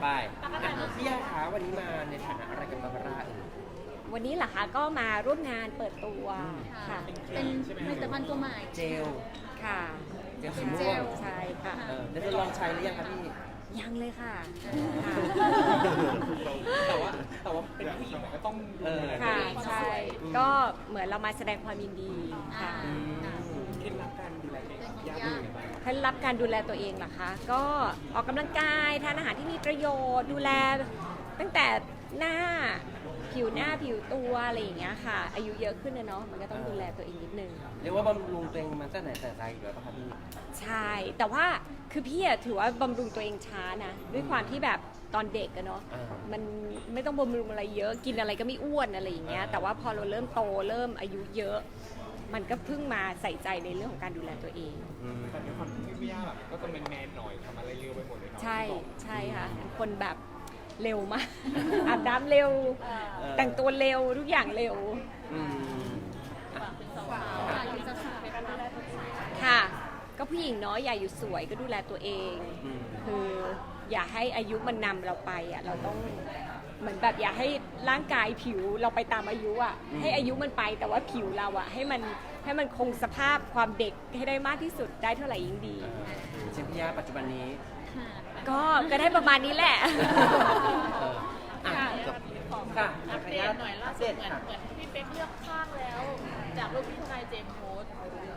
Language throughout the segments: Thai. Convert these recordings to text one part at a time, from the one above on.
ไปพี่ยาคะวันนี้มาในฐานะอะไรกับบาบาร่าวันนี้เหรอคะก็มาร่วมงานเปิดตัวค่ะเป็นผลิตภัณฑ์ตัวใหม่เจลค่ะเจลสีเป็นเจม่วงลใช่ค่ะได้ทดลองใช้หรือยังคะพี่ยังเลยค่ะค่ะแต่ว่าเป็นผู้หญิงก็ต้องค่ะใช่ก็เหมือนเรามาแสดงความยินดีค่ะเคล็ดลับการดูแลตัวเองยากยังไงบ้างเคล็ดลับการดูแลตัวเองเหรอคะก็ออกกำลังกายทานอาหารที่มีประโยชน์ดูแลตั้งแต่หน้าผิวหน้าผิวตัวอะไรอย่างเงี้ยค่ะ อายุเยอะขึ้นนะเนาะมันก็ต้องดูแลตัวเองนิดนึงเรียกว่าบำรุงตัวเองมาตั้งแต่ไหนแต่ไรอยู่แล้วป่ะคะพี่ใช่ แต่ว่าคือพี่อะถือว่าบำรุงตัวเองช้านะ ด้วยความที่แบบตอนเด็กอะเนาะ มันไม่ต้องบำรุงอะไรเยอะ กินอะไรก็ไม่อ้วนอะไรอย่างเงี้ย แต่ว่าพอเราเริ่มโตเริ่มอายุเยอะ มันก็เพิ่งมาใส่ใจในเรื่องของการดูแลตัวเองแต่ในความที่พี่ย่าแบบก็จะเป็นแมนหน่อยทำอะไรเร็วไปหมดเลยเนาะใช่ใช่ค่ะเป็นคนแบบเร็วมาก อาบน้ำเร็ว แต่งตัวเร็วทุกอย่างเร็วอืมค่ะ ก็ผู้หญิงเนาะอย่าอยู่สวยก็ดูแลตัวเอง คืออย่าให้อายุมันนำเราไปอ่ะเราต้องเหมือนแบบอย่าให้ร่างกายผิวเราไปตามอายุอ่ะให้อายุมันไปแต่ว่าผิวเราอ่ะให้มันคงสภาพความเด็กให้ได้มากที่สุดได้เท่าไหร่ยิ่งดีเช่นพี่ยาปัจจุบันนี้ก็ได้ประมาณนี้แหละค่ะค่ะอัปเดตหน่อยล่าสุดเหมือนพี่เป๊กเลือกข้างแล้ว จากรูปที่ทนายเจมส์โพสต์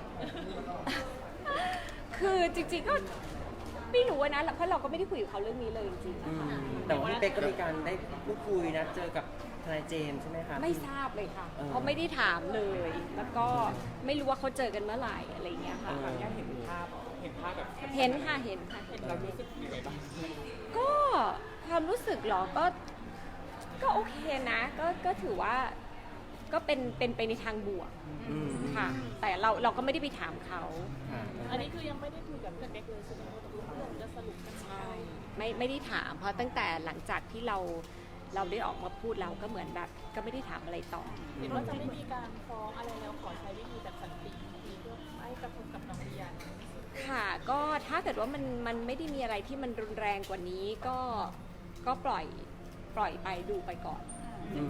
คือจริงๆก็ไม่รู้นะเพราะเราก็ไม่ได้คุยกับเขาเรื่องนี้เลยจริงๆนะคะแต่ว่าพี่เป๊กก็มีการได้พูดคุยนะเจอกับทนายเจมส์ใช่ไหมคะไม่ทราบเลยค่ะเออเพราะไม่ได้ถามเลย แล้วก็ไม่รู้ว่าเขาเจอกันเมื่อไหร่อะไรอย่างเงี้ยค่ะย่าเห็นภาพแบบเห็นค่ะเห็นค่ะเรารู้สึกยังไงบ้างก็ความรู้สึกเหรอก็โอเคนะ ก็ถือว่าก็เป็นไปในทางบวกอืมค่ะ แต่เราก็ไม่ได้ไปถามเขาค่ะอันนี้คือยังไม่ได้คุยกับพี่เป๊กเลยใช่ไหมว่าตกลงเรื่องจะสรุปกันใช่ไม่ได้ถามเพราะตั้งแต่หลังจากที่เราได้ออกมาพูดเราก็เหมือนแบบก็ไม่ได้ถามอะไรต่อเห็นว่าจะไม่มีการฟ้องอะไรแล้วขอใช้วิธีแบบสันติเพื่อไม่กระทบกับน้องลียาค่ะก็ถ้าเกิดว่ามันไม่ได้มีอะไรที่มันรุนแรงกว่านี้ก็ปล่อยไปดูไปก่อนอืม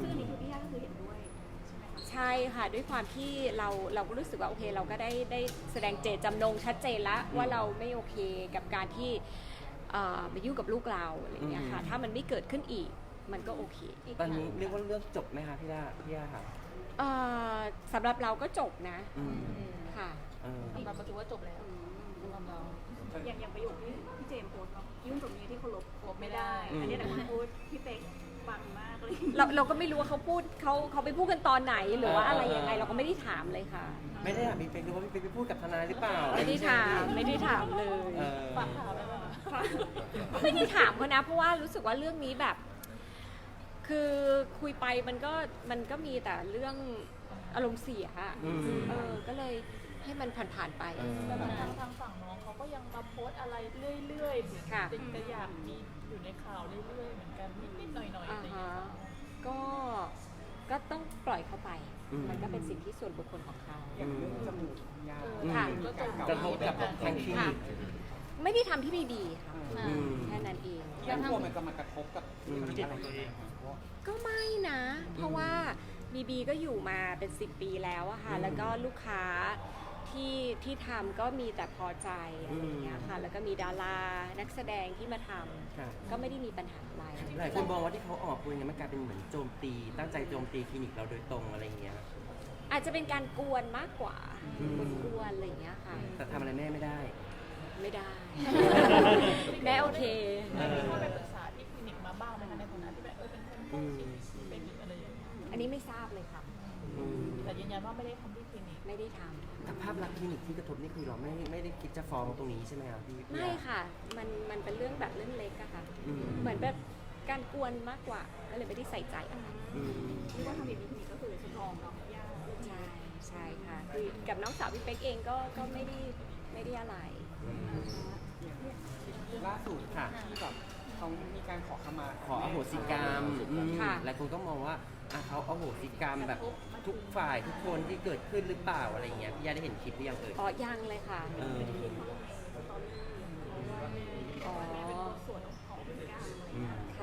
ใช่ค่ะด้วยความที่เราก็รู้สึกว่าโอเคเราก็ได้แสดงเจตจำนงชัดเจนแล้วว่าเราไม่โอเคกับการที่มายุ่งกับลูกเราอะไรอย่างเงี้ยค่ะถ้ามันไม่เกิดขึ้นอีกมันก็โอเคตอนนี้เรียกว่าเรื่องจบไหมคะพี่ย่าค่ะสำหรับเราก็จบนะอืมค่ะสำหรับเราถือว่าจบแล้วสำหรับเราอย่างประโยคที่พี่เจมส์โพสต์เนาะยุ่งกับเมียที่เคารพลบไม่ได้อันนี้แต่คนพูดพี่เป๊กฟังมากเลยเราก็ไม่รู้ว่าเขาพูดเขาไปพูดกันตอนไหนหรือว่าอะไรยังไงเราก็ไม่ได้ถามเลยค่ะไม่ได้ถามพี่เป๊กดูว่าพี่เป๊กไปพูดกับทนายหรือเปล่าไม่ได้ถามเลยเออฝากข่าวได้ไหมคะไม่ได้ถามเขานะเพราะว่ารู้สึกว่าเรื่องนี้แบบ คือคุยไปมันก็มีแต่เรื่องอารมณ์เสียอะก็เลยให้มันผ่านๆไปแต่ทางฝั่งน้องเขาก็ยังมาโพสต์อะไรเรื่อยๆค่ะจะอยากมีอยู่ในข่าวเรื่อยๆเหมือนกันนิดๆหน่อยๆอะไรอย่างเงี้ยก็ต้องปล่อยเขาไป มันก็เป็นสิทธิส่วนบุคคลของเขาอย่างเรื่องจมูกยาค่ะกระทบกับทางคลินิกไม่ได้ทำที่ไม่ดีค่ะอืมแค่นั้นเองย่ากลัวมันจะมากระทบกับจิตของตัวเองก็ไม่นะ เพราะว่าบีก็อยู่มาเป็น 10 ปีแล้วอะค่ะ แล้วก็ลูกค้าที่ทำก็มีแต่พอใจอะไรอย่างเงี้ยค่ะ แล้วก็มีดารานักแสดงที่มาทค่ะำก็ไม่ได้มีปัญหาอะไรหลายคนมองว่าที่เขาออกคุยเนี่ยมันกลายเป็นเหมือนโจมตี ตั้งใจโจมตีคลินิกเราโดยตรงอะไรอย่างเงี้ยอาจจะเป็นการกวนมากกว่า กวนๆอะไรอย่างเงี้ยค่ะแต่ทำอะไรแม่ไม่ได้ไม่ได้ แม่โอเคมีเข้าไปปรึกษาที่คลินิกมาบ้างไหมคะในฐานะที่แบบเป็นคนใกล้ชิดเป็นอะไรอย่างเงี้ยอันนี้ไม่ทราบเลยค่ะแต่ยืนยันว่าไม่ได้ทำที่คลินิกไม่ได้ทแต่ภาพลักษณ์คลินิกที่กระทบนี่คือเราไม่ได้คิดจะฟ้องตรงนี้ใช่ไหมครับพี่ำไม่ค่ะ มันเป็นเรื่องแบบเรื่องเล็กอะค่ะอืมเหมือนแบบการกวนมากกว่า ก็เลยไม่ได้ใส่ใจอะไรอืมที่ว่าทำแบบนี้ทีนี้ก็คือสตรองเนาะยากใช่ค่ะคือกับน้องสาวพี่เป๊กเองก็ไม่ได้อะไรล่าสุดค่ะที่แบบเขามีการขอขมาขออโหสิกรรมอืมค่ะหลายคนก็มองว่าเขาอโหสิกรรมแบบทุกฝ่ายทุกคนที่เกิดขึ้นหรือเปล่าอะไรเงี้ยพี่ย่าได้เห็นคลิปหรือยังเอ่ยอ๋อยังเลยค่ะเอออ๋อส่วนของพฤติกรรมอืมค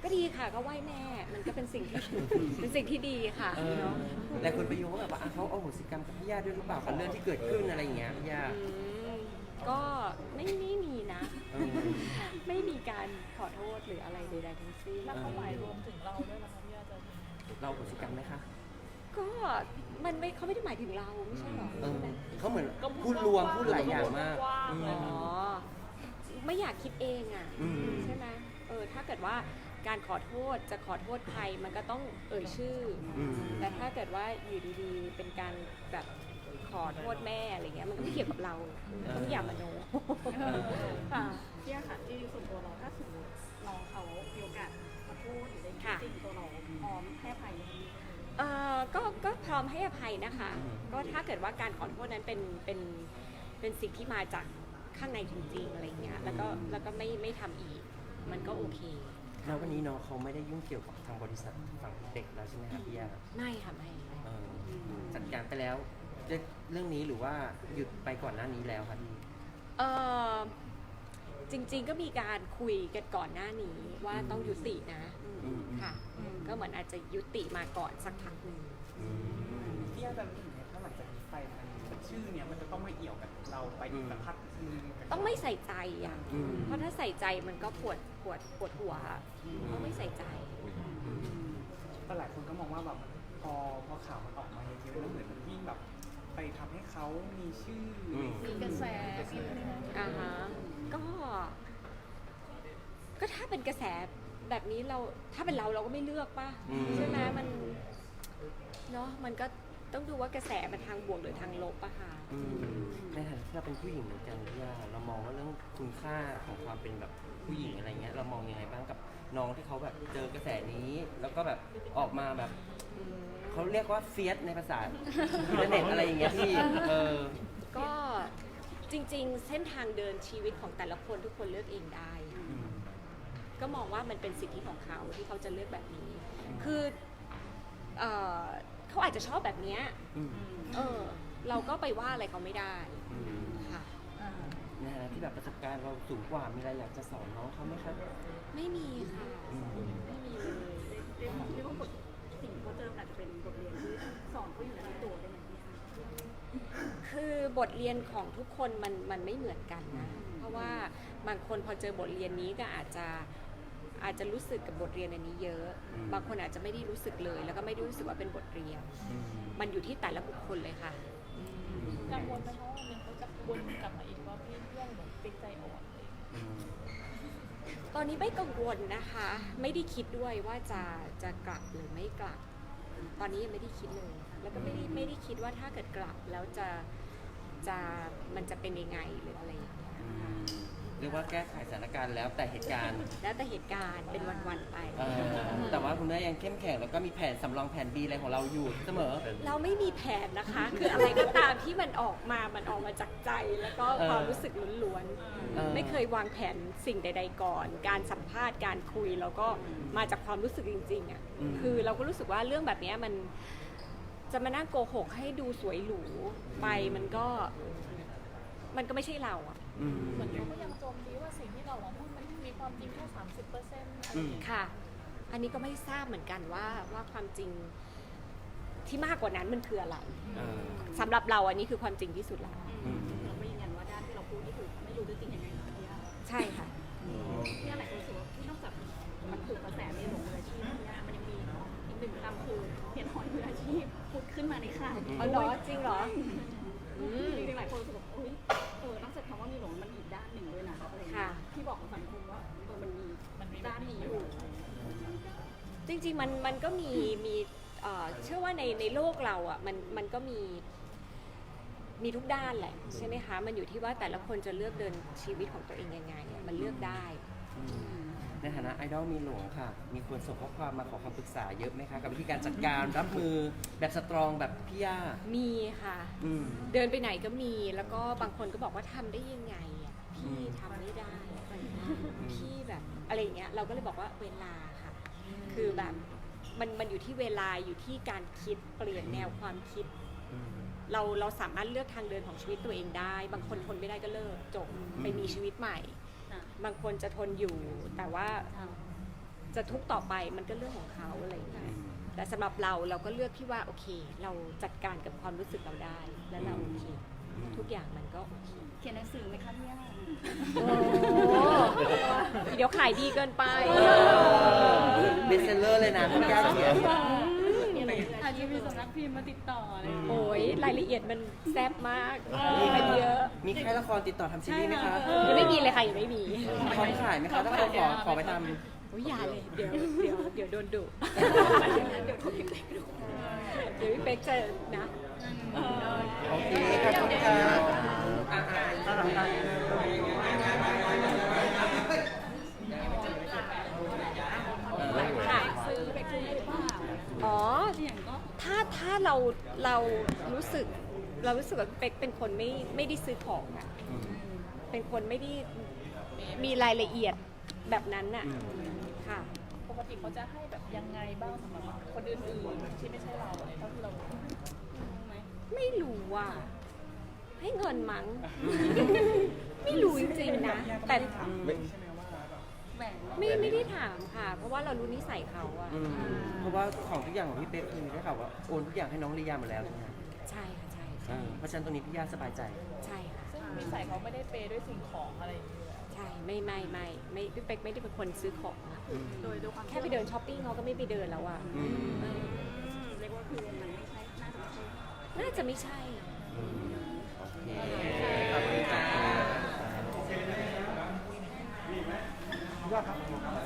ก็ดีค่ะก็ไหว้แม่มันก็เป็นสิ่งที่ เป็นสิ่งที่ดีค่ะเนาะเนาะและคนไปโยงว่าแบบว่าเขาเอาโหสิกรรมกับพี่ย่าด้วยหรือเปล่ากับเรื่องที่เกิดขึ้นอะไรอย่างเงี้ยพี่ย่าก็ไม่มีนะเออไม่มีการขอโทษหรืออะไรใดๆทั้งสิ้นแล้วเขาหมายรวมถึงเราด้วยนะคะพี่ย่าจะเราโหสิกรรมไหมคะก็มันไม่เขาไม่ได้หมายถึงเราไม่ใช่หรอเออเขาเหมือนพูดรวมพูดหลายอย่างมากๆเลยอ๋อไม่อยากคิดเองอ่ะอืมใช่ไหมถ้าเกิดว่าการขอโทษจะขอโทษใครมันก็ต้องเอ่ยชื่ออมแต่ถ้าเกิดว่าอยู่ดีๆ เป็นการแบบขอโทษแม่อะไรเงี้ยมันก็ไม่เกี่ยวกับเราต้องอย่ามโนค่ะพี่ย่าค่ะที่ส่วนตัวเราถ้าสมมติน้องเขามีโอกาสขอโทษหรืออะไรอย่างเงี้ยจริงตัวเราพร้อมให้อภัยไหมก็พร้อมให้อภัยนะคะ ก็ถ้าเกิดว่าการขอโทษนั้นเป็นสิ่งที่มาจากข้างในจริงๆอะไรเงี้ยแล้วก็ไม่ทำอีกมันก็โอเคแล้ววันนี้น้องเขาไม่ได้ยุ่งเกี่ยวกับทางบริษัทฝั่งเด็กแล้วใช่ไหมครับพี่ย่าไม่ค่ะไม่เออจัดการไปแล้วเรื่องนี้หรือว่าหยุดไปก่อนหน้านี้แล้วครับพี่เออจริงๆก็มีการคุยกันก่อนหน้านี้ว่าต้องยุตินะอืมค่ะก็เหมือนอาจจะยุติมาก่อนสักพักหนึ่งพี่ย่าจะรู้สึกไงถ้าหลังจากนี้ไปมันชื่อเนี้ยมันจะต้องมาเอี่ยวกับเราไปอีกสักพักนึงต้องไม่ใส่ใจอ่ะอืมเพราะถ้าใส่ใจมันก็ปวดหัวอะต้องไม่ใส่ใจแต่หลายคนก็มองว่าแบบพอข่าวมันออกมาเยอะๆแล้วเหมือนมันยิ่งแบบไปทำให้เขามีชื่ออมมีกระแสมีอะไรนะอ่าฮะก็ถ้าเป็นกระแสแบบนี้ถ้าเป็นเราก็ไม่เลือกป่ะอืมใช่ไหมมันเนาะมันก็ต้องดูว่ากระแสมันทางบวกหรือทางลบอะค่ะอืมในฐานะที่เราเป็นผู้หญิงเหมือนกันพี่ย่าเรามองว่าเรื่องคุณค่าของความเป็นแบบผู้หญิงอะไรเงี้ยเรามองยังไงบ้างกับน้องที่เขาแบบเจอกระแสนี้ แล้วก็แบบออกมาแบบเขาเรียกว่าเฟียสในภาษาอินเทอร์เน็ตอะไรอย่างเงี้ยพี่ก็จริงๆ เส้นทางเดินชีวิตของแต่ละคนทุกคนเลือกเองได้ ก็มองว่ามันเป็นสิทธิของเขาที่เขาจะเลือกแบบนี้ คือเขาอาจจะชอบแบบเนี้ยเราก็ไปว่าอะไรเขาไม่ได้ค่ะในฐานะที่แบบประสบการณ์เราสูงกว่ามีอะไรอยากจะสอนน้องเขาไหมครับไม่มีค่ะ ไม่มีเลยเรียกว่าบทสิ่งที่เขาเจออาจจะเป็นบทเรียนที่สอนเขาอยู่ในตัวได้ไหมพี่ย่าคือบทเรียนของทุกคนมันไม่เหมือนกันนะ เพราะว่าบางคนพอเจอบทเรียนนี้ก็อาจจะรู้สึกกับบทเรียนอันนี้เยอะ บางคนอาจจะไม่ได้รู้สึกเลย แล้วก็ไม่ได้รู้สึกว่าเป็นบทเรียน มันอยู่ที่แต่ละบุคคลเลยค่ะกังวลไหมคะว่าวันหนึงเขาจะวนกลับมาอีกว่าเพื่อนเหมือนเป็นใจอ่อนเลยตอนนี้ไม่กังวลนะคะ ไม่ได้คิดด้วยว่าจะกลับหรือไม่กลับ ตอนนี้ยังไม่ได้คิดเลย แล้วก็ไม่ได้คิดว่าถ้าเกิดกลับแล้วมันจะเป็นยังไงหรืออะไรอย่างเงี้ยเรียกว่าแก้ไขสถานการณ์แล้วแต่เหตุการณ์แล้วแต่เหตุการณ์เป็นวันๆไปแต่ว่าคุณแม่ยังเข้มแข็งแล้วก็มีแผนสำรองแผน B อะไรของเราอยู่เสมอเราไม่มีแผนนะคะ คืออะไรก็ตามที่มันออกมาจากใจ แล้วก็ความรู้สึกล้วนๆ ไม่เคยวางแผนสิ่งใดๆก่อน การสัมภาษณ์การคุยแล้วก็มาจากความรู้สึกจริงๆอ่ะ คือเราก็รู้สึกว่าเรื่องแบบนี้มันจะมานั่งโกหกให้ดูสวยหรูไปมันก็ไม่ใช่เราอ่ะเหมือนเขาก็ยังโจมตีว่าสิ่งที่เราพูดมันมีความจริงแค่ 30%อะไรอย่างเงี้ยค่ะ อันนี้ก็ไม่ทราบเหมือนกันว่าความจริงที่มากกว่านั้นมันคืออะไรสำหรับเราอันนี้คือความจริงที่สุดแล้วเราไม่ยืนยันว่าด้านที่เราพูดนี่คือไม่รู้ด้วยจริงยังไงนะพี่ย่าใช่ค่ะพี่ย่าหลายคนรู้สึกว่าที่นอกจากมันถูกกระแสในหลงมืออาชีพพี่ย่ามันยังมีอีกหนึ่งคำคือเห็นหอยมืออาชีพพูดขึ้นมาในข่าวอ๋อเหรอจริงเหรอจริงๆหลายคนรู้สึกว่านอกจากคำว่ามีหลงมันอีกด้านหนึ่งด้วยนะอะไรอย่างเงี้ยที่บอกกับสังคมว่ามันมีด้านนี้อยู่จริงๆมันก็มีเชื่อว่าในโลกเราอ่ะมันก็มีทุกด้านแหละใช่ไหมคะ มันอยู่ที่ว่าแต่ละคนจะเลือกเดินชีวิตของตัวเองยังไงอะมันเลือกได้ในฐานะไอดอลมีหลวงค่ะ มีคนส่งข้อความมาขอคำปรึกษาเยอะไหมคะกับวิธีการจัดการรับมือแบบสตรองแบบพี่ย่ามีค่ะ เดินไปไหนก็มีแล้วก็บางคนก็บอกว่าทำได้ยังไงอ่ะพี่ทำไม่ได้พี่แบบอะไรอย่างเงี้ยเราก็เลยบอกว่าเวลาค่ะ คือแบบมันอยู่ที่เวลาอยู่ที่การคิดเปลี่ยนแนวความคิด เราสามารถเลือกทางเดินของชีวิตตัวเองได้ บางคนทนไม่ได้ก็เลิกจบไปมีชีวิตใหม่ บางคนจะทนอยู่แต่ว่าจะทุกข์ต่อไปมันก็เรื่องของเขาอะไรอย่างเงี้ยแต่สำหรับเราก็เลือกที่ว่าโอเค เราจัดการกับความรู้สึกเราได้แล้วเราโอเคทุกอย่างมันก็โอเคเขียนหนังสือไหมคะพี่ย่าโอ้เดี๋ยวขายดีเกินไปเบสเซลเลอร์เลยนะพี่ย่าเขียนอาจจะมีสำนักพิมพ์มาติดต่ออะไรอย่างเงี้ยโอ้ยรายละเอียดมันแซ่บมากมีมันเยอะมีค่ายละครติดต่อทำซีรีส์ไหมคะยังไม่มีเลยค่ะยังไม่มีพร้อมขายไหมคะถ้าเราขอไปทำโอ้ยอย่าเลยเดี๋ยวโดนดุเดี๋ยวพี่เป๊กจะนะโอเคขอบคุณค่ะค่ะซื้อไปซื้อหรือเปล่าอ๋ออย่างก็ถ้าเรารู้สึกว่าเป๊กเป็นคนไม่ได้ซื้อของอะเป็นคนไม่ได้มีรายละเอียดแบบนั้นน่ะค่ะปกติเขาจะให้แบบยังไงบ้างสำหรับคนอื่นๆที่ไม่ใช่เราอะไรเท่าที่เรารู้ไหมไม่รู้ว่าให้เงินมั้ง ไม่รู้จริงๆนะ แต่ใช่ไหมว่าแบบแบ่งไม่ได้ถามค่ะ เพราะว่าเรารู้นิสัยเขาอะเพราะว่าของทุกอย่างของพี่เป๊กคือได้ข่าวว่าโอนทุกอย่างให้น้องลียาหมดแล้วใช่ไหมคะใช่ค่ะใช่เพราะฉะนั้นตรงนี้พี่ย่าสบายใจใช่ค่ะซึ่งนิสัยเขาไม่ได้เปย์ด้วยสิ่งของอะไรอย่างเงี้ยใช่ไม่พี่เป๊กไม่ได้เป็นคนซื้อของอะโดยความแค่ไปเดินช้อปปิ้งเขาก็ไม่ไปเดินแล้วอะเรียกว่าคือมันไม่ใช่น่าจะไม่ใช่น่าจะไม่ใช่โอเคขอบคุณค่ะยอดครับ